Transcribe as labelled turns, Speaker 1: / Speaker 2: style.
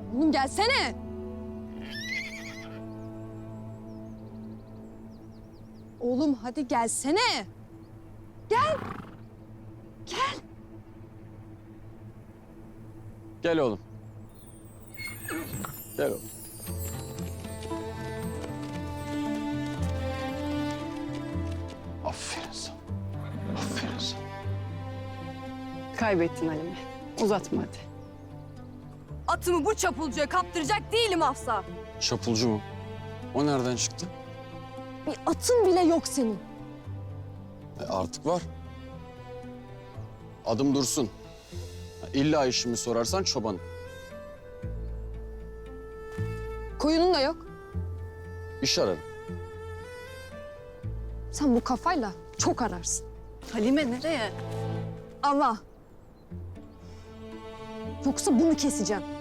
Speaker 1: Oğlum gelsene. Oğlum hadi gelsene. Gel. Gel.
Speaker 2: Gel oğlum. Gel oğlum. Aferin sana. Aferin sana.
Speaker 3: Kaybettin Halime. Uzatma hadi.
Speaker 1: Atımı bu çapulcuya kaptıracak değilim asla.
Speaker 2: Çapulcu mu? O nereden çıktı?
Speaker 1: Bir atın bile yok senin.
Speaker 2: Artık var. Adım Dursun. İlla işimi sorarsan çobanım.
Speaker 1: Koyunun da yok.
Speaker 2: İş ararım.
Speaker 1: Sen bu kafayla çok ararsın.
Speaker 3: Halime nereye?
Speaker 1: Ama yoksa bunu keseceğim.